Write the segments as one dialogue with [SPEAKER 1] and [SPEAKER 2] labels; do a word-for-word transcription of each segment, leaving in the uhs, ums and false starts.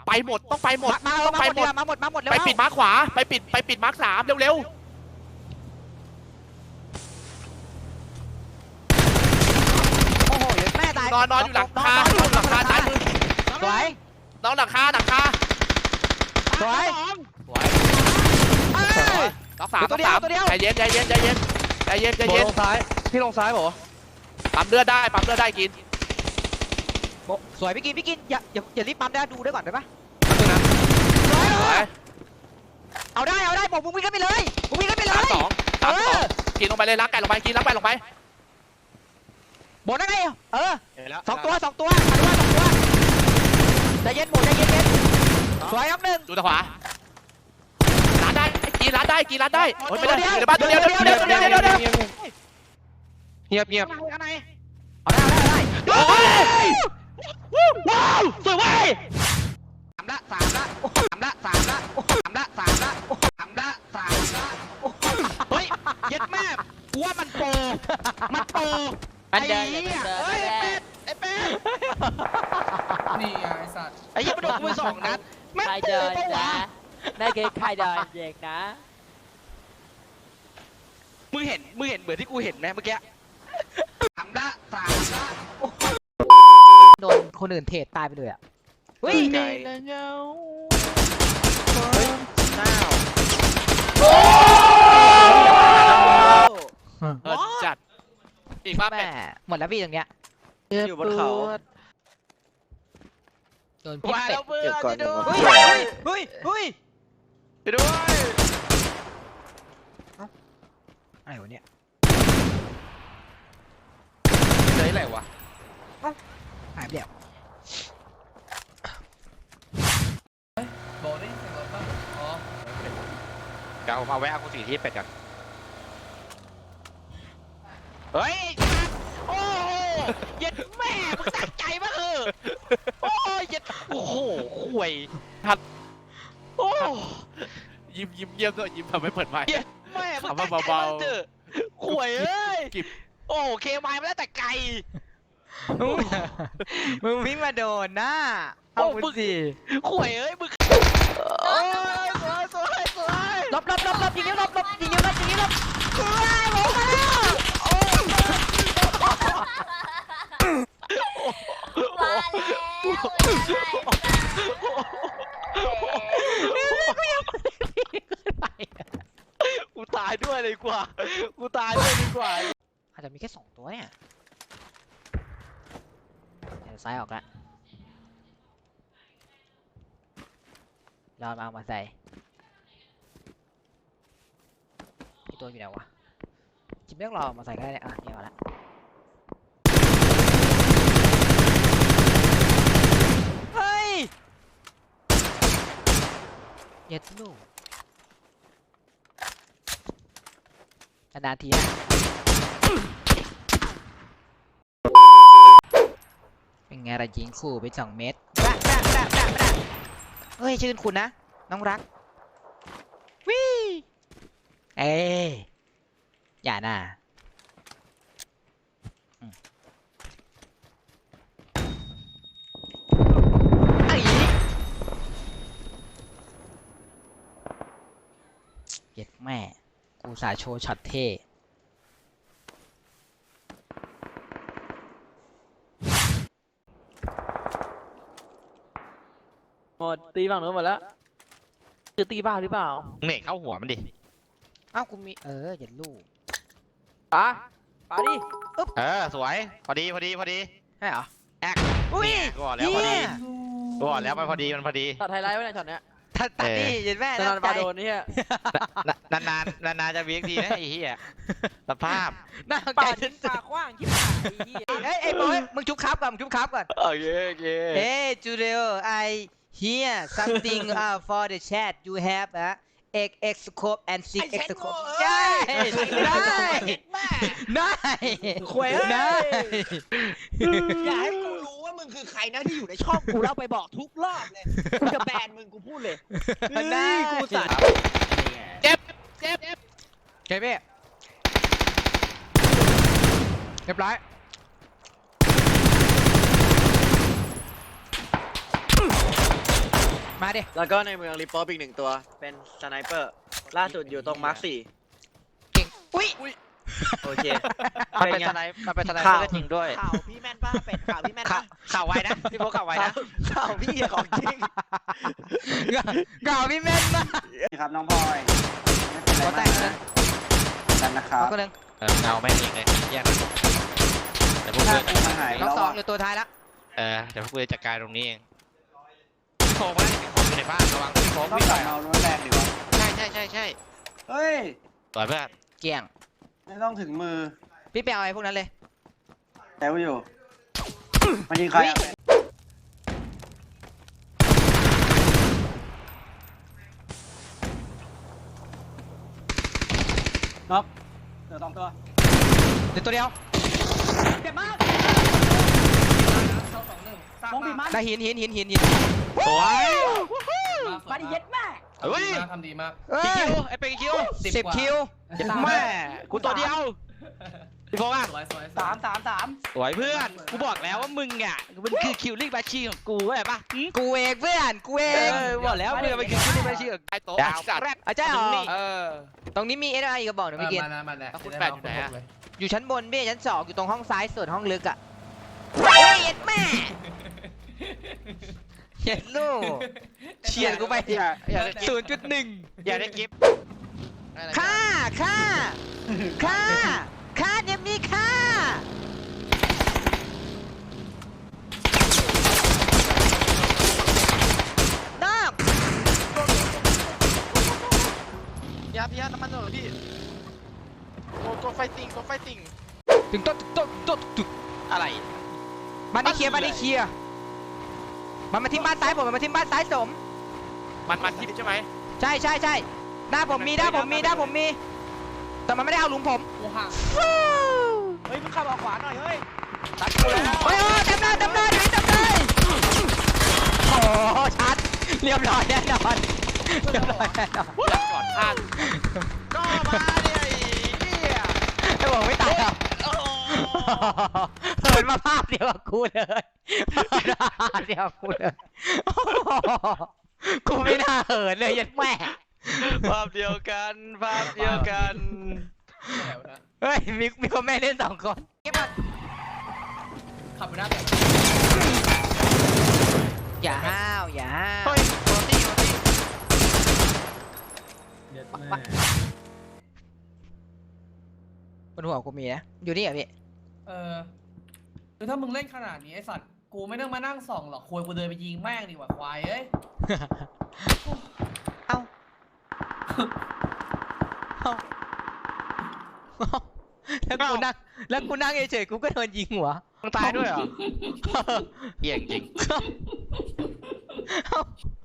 [SPEAKER 1] ไปหมดต้องไปหมด
[SPEAKER 2] มา
[SPEAKER 1] ต้อง
[SPEAKER 2] มา
[SPEAKER 1] ไป
[SPEAKER 2] หมด
[SPEAKER 1] หมด
[SPEAKER 2] มาหมดมาหมดเร็ว
[SPEAKER 1] ไปปิดมาร์คขวาไปปิดไปปิดมาร์คสามเร็วๆ
[SPEAKER 2] โอ้โหแม่ตาย
[SPEAKER 1] นอนนอนอยู่หลังคานอนอยู่หลังคาซ้ายมือ
[SPEAKER 2] สวย
[SPEAKER 1] นอนหลังคาหลังคา
[SPEAKER 2] สวย
[SPEAKER 1] สวยล็อกสามล็อกสามใจเย็นใจเย็นใจเย็นใจเย็นใจ
[SPEAKER 3] โบ
[SPEAKER 1] เย็น
[SPEAKER 3] ลงซ้ายพี่ลงซ้ายบอก
[SPEAKER 1] ปั๊มเลือดได้ปั๊มเลือดได้กิน
[SPEAKER 2] สวยพี่กินพี่กินอย่าอย่าอย่ารีบปั๊มได้ดูด้วยก่อนได้ปะ
[SPEAKER 1] สวย
[SPEAKER 2] เอาได้เอาได้บอกมึงวิ่งกันไปเลยมึงวิ่งกันไปเล
[SPEAKER 1] สาม
[SPEAKER 2] ย
[SPEAKER 1] สองสามสองกินลงไปเลยรักไก่ลงไปกินรักไก่ลงไป
[SPEAKER 2] บอกได้ไงเออสองตัวสองตัวมาด้วยสองตัวใจเย็นหมูใจเย็นเย็นสวยครับหนึ่ง
[SPEAKER 1] ดูทางขวาร้านได้กินร้านได้กินร้านได้โอ้ยไม่ได้อยู่ในบ้านตัวเดียวตัวเดียวตัวเดียวตัวเดียว
[SPEAKER 3] เงียบเงียบ
[SPEAKER 2] ข้างในเอาได้เอาได้เอาได้
[SPEAKER 3] ว้าวสวยเว้ย
[SPEAKER 2] สามละสามละสามละสามละสามละสามละสามละสามละเฮ้ยเย็ดแม่กูว่ามันโปมันโปไอ้เหี้ยเฮ้ยเป็ดไอ้เป็ด
[SPEAKER 4] นี่ไงไอ้สัตว์
[SPEAKER 2] ไอ้เหี้ยมันโดนกูไปสองนัดแม่ง
[SPEAKER 5] ใคร
[SPEAKER 2] โป
[SPEAKER 5] เดิน
[SPEAKER 2] ปะวะ
[SPEAKER 5] นะนั่นคือใครเดินเด็กนะ
[SPEAKER 2] มึงเห็นมึงเห็นเหมือนที่กูเห็นไหมเมื่อกี้สามละสามละโดนคนอื่นเทรดตายไปเลยอ่ะเฮ้ย
[SPEAKER 3] ไก่
[SPEAKER 2] น้าว
[SPEAKER 1] เออจัดอีกบ้า
[SPEAKER 2] แม่
[SPEAKER 1] แม่
[SPEAKER 2] หมดแล้วพี่ตรงเนี้ย
[SPEAKER 3] อยู่บนเขา
[SPEAKER 2] โดนพิษเป็ด
[SPEAKER 3] เก็บก่อน
[SPEAKER 2] เฮ้ยเฮ้ยเฮ้ยเฮ้ย
[SPEAKER 3] ไปด้วย
[SPEAKER 2] อะไรวะเนี่ย
[SPEAKER 3] ไหนไหนวะ
[SPEAKER 2] หายไปแล้ว
[SPEAKER 4] บอกได้เสียงรถป่ะอ๋อ
[SPEAKER 3] เดี๋ยวมาแวะเอากุฏิที่เป็ดกันเฮ้ย
[SPEAKER 2] โอ้โหเย็ดแม่มึงตั้งใจมากเออโอ้ยเย็ด
[SPEAKER 3] โอ้โหข่วย
[SPEAKER 2] โอ้
[SPEAKER 1] ยิ้มยิ้มเยี่ยมด้วยยิ้มทำให้เปิดไมค์
[SPEAKER 2] แม่มึง
[SPEAKER 1] เอา
[SPEAKER 2] ตั้
[SPEAKER 1] มาง
[SPEAKER 2] ใจ
[SPEAKER 1] เบาๆ
[SPEAKER 2] มากเถอะข่วยเอ้ย
[SPEAKER 1] กิบ
[SPEAKER 2] โอ้เคมายมาแล้วแต่ไกลมึงวิ่งมาโดนนะเอามึงสิข่วยเอ้ยมึงโอ้ยสวยสวยสวยลบลบลบลบยิงนิ้วลบลบยิงนิ้วลบยิงนิ้วลบสวยลงมาแล้วโอ้ย
[SPEAKER 6] มาแล้ว
[SPEAKER 3] กูตายด้วยเลยกว่ากูตายด้วยดีกว่า
[SPEAKER 2] อาจจะมีแค่สองตัวเนี่ยเดี๋ยวซ้ายออกละรอมาเอามาใส่ที่ตัวอยู่ไหนวะจิบไม่ต้องรอมาใส่ก็ได้เนี่ยอ่ะเนี่ยเอาละเฮ้ยเย็ดลูกนานๆทีนะเป็นไงล่ะยิงคู่ไปสองเมตรแบะแบะแบะแบะแบะเฮ้ยชื่นคุณนะน้องรักวิเอ้ยอย่าน่ะอืมไอ้เย็ดแม่กูสาโชว์ช็อตเท่
[SPEAKER 5] หมดตีฝั่งนู้นหมดแล้วคือตีบ้าหรือเปล่า
[SPEAKER 3] เหน่เข้าหัวมันดิ
[SPEAKER 2] อ้าวกูมีเอออย่าลูก
[SPEAKER 5] ป๋าป๋าดิ
[SPEAKER 3] เออสวยพอดีพอดีพอดี
[SPEAKER 2] ใช่เหรอ
[SPEAKER 3] แอก
[SPEAKER 2] อุ้ย
[SPEAKER 3] กูบอกแล้วพอดี
[SPEAKER 2] เหี้ย
[SPEAKER 3] กูบอกแล้วมันพอดีมันพอดี
[SPEAKER 5] ตัดไฮไลท์ไว้ในช็อตเนี้ย
[SPEAKER 2] ตัดตัดนี่เห็นแม่
[SPEAKER 5] จะนอนบาโดนนี่ฮะ
[SPEAKER 3] นานนานนานนานจะเวียกดีนะไอ้เหี้ยสภาพ
[SPEAKER 2] น่าใจ
[SPEAKER 5] ป่า
[SPEAKER 2] ฉั
[SPEAKER 5] ชิ้
[SPEAKER 2] น
[SPEAKER 5] นปากกว้างที่ป่าไอ้เหี้ย
[SPEAKER 2] เฮ้ยไอ้บอยมึงชุบครับก่อนมึงชุบครับก่อน
[SPEAKER 3] โอเคโอเค
[SPEAKER 2] เฮ้ยจูเลีย I hear something uh for the chat you have อ่ะ x x scope and six x scope ได้ได้ได้ควยได้
[SPEAKER 7] อย่าให้กูรู้ว่ามึงคือใครนะที่อยู่ในช่องกูแล้วไปบอกทุกรอบเลย กูจะแบนมึงกูพูดเลย
[SPEAKER 2] ได้
[SPEAKER 7] กูสั่น
[SPEAKER 1] เจ็บเจ็บเจ็บ
[SPEAKER 2] เก็บพี่เรียบร้อยมาดิ
[SPEAKER 7] แล้วก็ในเมืองริปเปอร์อีกหนึ่งตัวเป็นสไนเปอร์ล่าสุดอยู่ตรงมาร์คสี่
[SPEAKER 2] เก่งอุ้ย
[SPEAKER 7] โอเค
[SPEAKER 3] มันเป็น
[SPEAKER 7] ไง
[SPEAKER 3] สไนป์มันเป็นสไนเปอ
[SPEAKER 7] ข่าว
[SPEAKER 3] ร์ก็จริงด้วย
[SPEAKER 7] ข่าวพี่แม่นป้าเป็ดข่าวพี่แม่น
[SPEAKER 3] ข่า
[SPEAKER 7] ป้าว
[SPEAKER 3] ข่าวไวนะพี่โบข่าวไวนะ
[SPEAKER 7] ข่าวพี่ของจริง
[SPEAKER 2] เก่าพี่แม่นมาก
[SPEAKER 6] ครับน้องพลอยไม่เป็นไร
[SPEAKER 2] ก็
[SPEAKER 6] มา
[SPEAKER 2] แต่งนะ
[SPEAKER 6] กนะกันนะครับ
[SPEAKER 2] เอาก็เลย
[SPEAKER 3] เออเงาแม่งอีกเลยแยกกันแต่พวก
[SPEAKER 6] ถ้า
[SPEAKER 3] เพื่อน
[SPEAKER 6] กูมาหาย
[SPEAKER 2] น้อง
[SPEAKER 6] แล้ว
[SPEAKER 2] สอง
[SPEAKER 6] อะ
[SPEAKER 2] อยู่ตัวท้ายละ
[SPEAKER 3] เออเดี๋ยวพวกเพื่อนจัดการตรงนี้เองพี่โฟมว่าพี่โฟมอยู่ในบ้านระวังพี่โฟม
[SPEAKER 6] ต้อง
[SPEAKER 3] วิ่ง
[SPEAKER 6] ก
[SPEAKER 3] ไป
[SPEAKER 6] ลับมาเอารถแรงดีวะ
[SPEAKER 3] ใช่ใช่ใช่ใช่
[SPEAKER 6] เฮ้ย
[SPEAKER 3] ต่อยเพื่อน
[SPEAKER 2] เกี่ยง
[SPEAKER 6] ไม่ต้องถึงมือ
[SPEAKER 2] พี่ไปเอาไอ้พวกนั้นเลย
[SPEAKER 6] แต้วอยู่มันยิงใครอะน็อกเดี๋ยวสองตัว
[SPEAKER 2] เดี๋ยวตัวเดียว
[SPEAKER 6] เจ็บมาก
[SPEAKER 4] เข้าสองหนึ่ง
[SPEAKER 6] มองบีบมัน
[SPEAKER 2] ได้หินหินหินหินหิน
[SPEAKER 3] สวย
[SPEAKER 6] มาดิเย็ดแม่
[SPEAKER 3] เฮ้ย
[SPEAKER 4] ทำดีมาก
[SPEAKER 2] เอ้
[SPEAKER 3] กี่
[SPEAKER 2] ย
[SPEAKER 3] คิวไอ้เป็นกี่คิว
[SPEAKER 2] สิบคิว
[SPEAKER 3] เจ็บแม่กูตัวเดียวพี่โฟมอ่ะ
[SPEAKER 4] สวยสวย
[SPEAKER 6] สามสามสาม
[SPEAKER 3] สวยเพื่อนกูบอกแล้วว่ามึงอ่ะมันคือคิวลิ่งแมชชีนของกูเข้าใจปะ
[SPEAKER 2] กูเองเพื่อนกูเอ
[SPEAKER 3] เอง อบอกแล้วมึงมันคือคิวลิ่งแมชชีนของ
[SPEAKER 1] ไอ้โต๊ะ
[SPEAKER 3] ดาว
[SPEAKER 1] จัด
[SPEAKER 3] แรด
[SPEAKER 2] อาจารย์เหรอ
[SPEAKER 1] เออ
[SPEAKER 2] ตรงนี้มีเอสไออีกกระบอกหนึ่งพี่เกียร
[SPEAKER 4] มานะมานะ
[SPEAKER 1] คุณแปดอยู่ไหนอะ
[SPEAKER 2] อยู่ชั้นบนพี่ชั้นสองอยู่ตรงห้องซ้ายสุดห้องลึกอ่ะเฮ้ยเอ็ดแม่เห็นลูกเฉียดกูไป
[SPEAKER 3] อย่าอย่าได้กิฟ
[SPEAKER 2] ศูนย์จุดหนึ่ง
[SPEAKER 3] อย่าได้กิฟ
[SPEAKER 2] ค่าค่าค่าค่าเนี่ยมีค่านอก
[SPEAKER 1] ยาพี่ยาน้ำมันหน่อยพี่โกโกไฟติงโกไฟติง
[SPEAKER 2] ถึงโต๊ะถึงโต๊ะถึงโต๊ะถึง
[SPEAKER 3] อะไร
[SPEAKER 2] บ้านนี้เคลียร์บ้านนี้เคลียร์มันมาที่บ้านซ้ายผมมันมาที่บ้านซ้ายสม
[SPEAKER 1] มันมันทิพใช่ไหม
[SPEAKER 2] ใช่ใช่ใช่หน้าผมมีหน้าผมมีหน้าผมมี แต่มันไม่ได้เอาหลุมผม
[SPEAKER 4] กูห่าง
[SPEAKER 7] เฮ้ยมึงขับออกขวาหน่อยเฮ้ย
[SPEAKER 1] ตัดกูแล้ว
[SPEAKER 2] โอ้ยโอ้ยเต็มเลยเต็มเลยเต็มเลยโอ้โหชัดเรียบร้อยแน่นอนเรียบร้อยแน่นอน
[SPEAKER 1] จัดก่อนพลาด
[SPEAKER 3] ก็มาเนี่ยไอ้เหี้ย
[SPEAKER 2] ไอ้บอกไม่ตายหรอก
[SPEAKER 3] โอ้โห
[SPEAKER 2] เหินมาภาพเดียวกับกูเลยภาพเดียวกับกูเลยโอ้โหกูไม่น่าเหินเลยยันแม่
[SPEAKER 3] ภาพเดียวกันภาพเดียวกัน
[SPEAKER 4] แล้วนะ
[SPEAKER 2] เฮ้ยมีมีคนแม่เล่นสองคน
[SPEAKER 4] ขับไปหน้าแบบ
[SPEAKER 2] อย่าห้าวอย่าห้าว
[SPEAKER 3] เฮ้ยโรตี้โรตี้
[SPEAKER 2] บนหัวกูมีนะอยู่นี่เหรอพี่
[SPEAKER 4] เออคือถ้ามึงเล่นขนาดนี้ไอสัตว์กูไม่ต้องมานั่งส่องหรอกควรกูเดินไปยิงแม่งดีกว่าควายเอ้ย
[SPEAKER 2] เอ้าเอ้าแล้วกูนั่งแล้วกูนั่งเฉยๆกูก็โดนยิงหัว
[SPEAKER 3] มึงตายด้วยเหรอเหี้ยจริง
[SPEAKER 2] เอ้า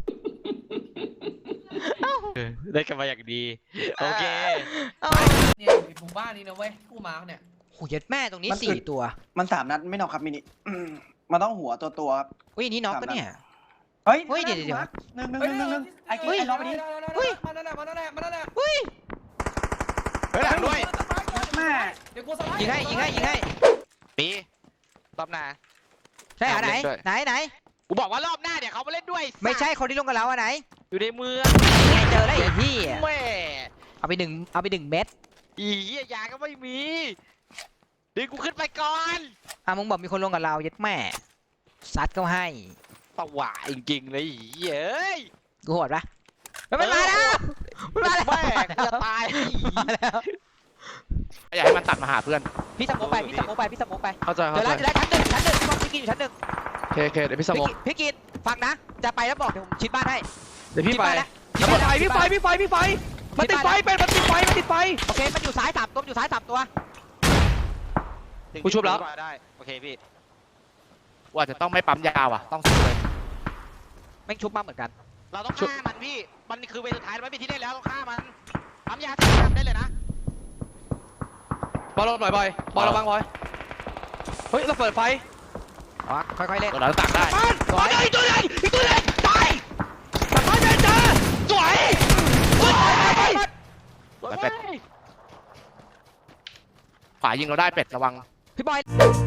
[SPEAKER 3] เออได้กันมาอย่างดีโอเค
[SPEAKER 2] เอ้า
[SPEAKER 4] เนี่ยอยู่ในหมู่บ้านนี้นะเว้ยกูมาร์กเนี่ย
[SPEAKER 2] โหยัดแม่ตรงนี้สี่ตัว
[SPEAKER 6] มันสามนัดไม่นอกครับมินิอืมมันต้องหัวตัวตัวครับ
[SPEAKER 2] อุ้ยนี่น็อกปะเนี่ย
[SPEAKER 6] เฮ้ย
[SPEAKER 2] เฮ้ยเดี๋ยวเดี๋ยว
[SPEAKER 6] หนึ่งหนึ่งหนึ่งหนึ่งหนึ่งไอ้กิ๊กไอ้ล็อกไปดิ
[SPEAKER 4] มานั่นแหละมานั่นแหละมานั่นแหละ
[SPEAKER 2] อุ้ย
[SPEAKER 3] เฮ้ยหลังด้วย
[SPEAKER 6] แม่
[SPEAKER 4] เดี๋ยวกูสไลด์
[SPEAKER 2] ยิงให้ยิงให้ยิงให้
[SPEAKER 3] ปีรอบหน้า
[SPEAKER 2] ใช่เหรอไหน
[SPEAKER 3] เอาเล่นด้วย
[SPEAKER 2] ไหนไหน
[SPEAKER 3] กูบอกว่ารอบหน้าเดี๋ยวเขามาเล่นด้วย
[SPEAKER 2] ไม่ใช่คนที่ลงกับเราอะไหน
[SPEAKER 3] อยู่ในเมือง
[SPEAKER 2] ไงเจอแล้วไอ้พี่
[SPEAKER 3] แม่
[SPEAKER 2] เอาไปหนึ่งเอาไปหนึ่งเม็ด
[SPEAKER 3] อีเหี้ยยาก็ไม่มีดึงกูขึ้นไปก่อน
[SPEAKER 2] อ่ะมึงบอกมีคนลงกับเรายัดแม่ซัดก็ให้
[SPEAKER 3] ตะหวาจริงๆเลยอีเหี้ยเอ้ย
[SPEAKER 2] กูโหดปะเฮ้ยมันมาแล้วมันมาแล้ว
[SPEAKER 3] แม่กูจะตาย
[SPEAKER 2] มาแล้ว
[SPEAKER 1] อยากให้มันตัดมาหาเพื่อน
[SPEAKER 2] พี่สโมกไปพี่สโมกไปพี่สโมกไป
[SPEAKER 1] เข้าใจ
[SPEAKER 2] เดี๋
[SPEAKER 1] เข้า
[SPEAKER 2] ยวแล้ว
[SPEAKER 1] ใจ
[SPEAKER 2] เดี๋ยวแล้วชั้นหนึ่งชั้นหนึ่งพี่บอลพี่กินอยู่ชั้นหนึ่ง
[SPEAKER 1] โอเคโอเคเดี๋ยวพี่สม
[SPEAKER 2] พี่
[SPEAKER 1] อง
[SPEAKER 2] กินพี่กินฟังนะ จะไปแล้วบอกเดี๋ยวผมชิดบ้านให้
[SPEAKER 1] เดี๋ยวพี่
[SPEAKER 2] ชิด
[SPEAKER 1] ไป
[SPEAKER 2] บ้านแล้ว
[SPEAKER 1] แล้วมันไฟพี่ไฟพี่ไฟพี่ไฟมันติดไฟเป็นมันติดไฟมันติดไฟ
[SPEAKER 2] โอเคมันอยู่ซ้ายสามตัวมันอยู่ซ้ายสามตัว
[SPEAKER 1] กูชุบแล้ว
[SPEAKER 3] ได้โอเคพี่
[SPEAKER 1] ว่าจะต้องไม่ปั๊มยาวอ่ะต้องสู้เลย
[SPEAKER 2] แม่งชุบมาเหมือนกัน
[SPEAKER 3] เราต้องฆ่ามันพี่มันคือเวลสุดท้ายไม่มีที่เล่นแล้วต้องฆ่ามันปั๊มยาที่ทำได้เลยนะ
[SPEAKER 1] บอลปล่อยบอยบอลระวังบอยเฮ้ยเราเปิดไฟ
[SPEAKER 2] อ๋อค่อยๆเล่น
[SPEAKER 1] เราตักได้
[SPEAKER 2] สวย
[SPEAKER 1] อีกตัวนึงอีกตัวนึงตายตัดไฟได้จ้าสวยสวยขวายิงเราได้เป็ดระวัง
[SPEAKER 2] พี่บอย